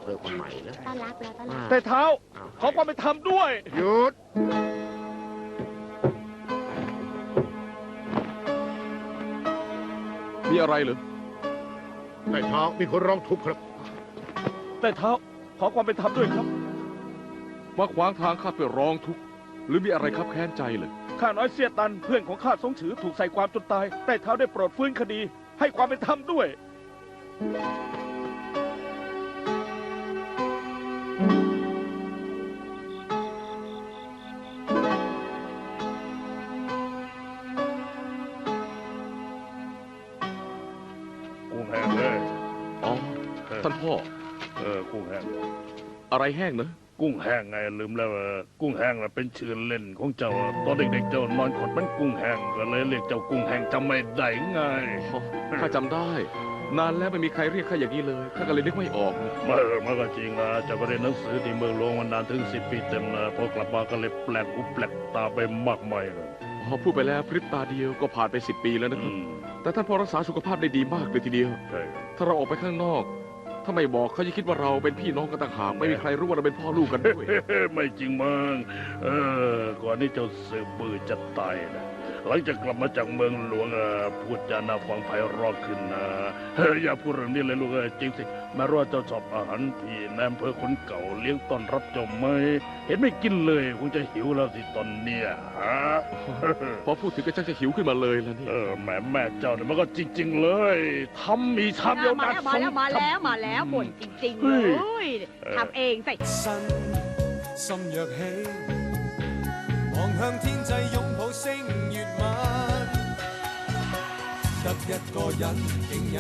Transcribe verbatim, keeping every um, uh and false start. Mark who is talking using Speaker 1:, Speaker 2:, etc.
Speaker 1: เพื่อนคนใหม่นะ
Speaker 2: ต้อนรับแล้วต้อนรับ
Speaker 3: แต่เท้าขอความเป็นธรรมด้วย
Speaker 4: หยุด
Speaker 5: มีอะไรเหรอ
Speaker 4: แต่เท้ามีคนร้องทุกข์ครับ
Speaker 3: แต่เท้าขอความเป็นธรรมด้วยครับ
Speaker 5: มาขวางทางข้าไปร้องทุกข์หรือมีอะไรครับแค้นใจเลย
Speaker 3: ข้าน้อยเสียตันเพื่อนของข้าสงฉือถูกใส่ความจนตายแต่เท้าได้โปรดฟื้นคดีให้ความเป็นธรรมด้วย
Speaker 6: กุ้งแห้งเลย
Speaker 5: อ๋อท่านพ่อ
Speaker 6: เออกุ้งแห้ง
Speaker 5: อะไรแห้งเนอะ
Speaker 6: กุ้งแห้งไงลืมแล้วกุ้งแห้งเป็นชื่อเล่นของเจ้าตอนเด็กๆเจ้านอนขดเป็นกุ้งแห้งก็เลยเรียกเจ้ากุ้งแห้งจำไม่ได้ไง
Speaker 5: ข้าจำได้นานแล้วไม่มีใครเรียกข้าอย่างนี้เลยข้าก็เลยนึกไม่ออก
Speaker 6: เมื่อมันก็จริงนะเจ้าก็เรียนหนังสือที่เมืองหลวงมานานถึงสิบปีเต็มนะพอกลับมาก็เลยแปลกหูแปลกตาไปมากมายเลย
Speaker 5: พอพูดไปแล้วพริบตาเดียวก็ผ่านไปสิบปีแล้วนะครับแต่ท่านพ่อรักษาสุขภาพได้ดีมากเลยทีเดียวถ้าเราออกไปข้างนอกถ้าไม่บอกเขาจะคิดว่าเราเป็นพี่น้องกันต่างหากไม่มีใครรู้ว่าเราเป็นพ่อลูกกันด้วย
Speaker 6: ไม่จริงมั้งเออก่อนนี้เจ้าสืบบือจะตายนะหลังจากกลับมาจากเมืองหลวงพูดจาน่าฟังไพเราะขึ้นนะอย่าพูดเรื่องนี้เลยลูกจริงสิแม้ว่าเจ้าชอบอาหารที่นายอำเภอคนเก่าเลี้ยงต้อนรับเจ้าไหมเห็นไม่กินเลยคงจะหิวแล้วสิตอนเนี้ยฮะ
Speaker 5: พอพูดถึงก็ชักจะหิวขึ้นมาเลยแล้วนี่
Speaker 6: เออแม่แม่เจ้าเนี่ยมันก็จริงๆเลยทำมีชามเดียว
Speaker 2: นัดมาแล้วมาแล้วมาแล้วบ่นจริงๆเลยทำเองใส่
Speaker 7: 心若起望向天際擁抱星月晚得一個人竟